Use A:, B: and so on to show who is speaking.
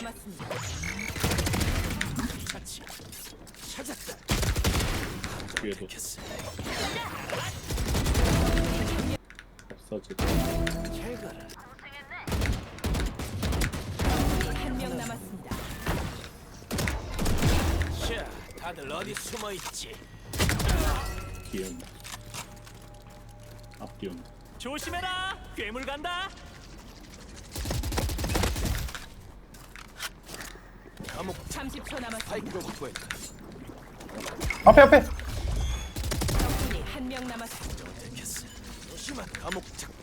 A: 남았습니다.
B: 같이 찾았다.
C: 뒤에도
B: 됐어.
C: 없어지.
B: 잘 가라.
A: 한 명 남았습니다.
B: 자, 다들 어디 숨어 있지?
C: 뒤에 온다. 앞뒤 온다.
B: 조심해라. 괴물 간다. 감옥
A: 30초 남았습니다.
B: 파이크로 확보했다.
D: 앞에
A: 적군이 한 명 남았습니다.
B: 됐어. 조심한 감옥 착.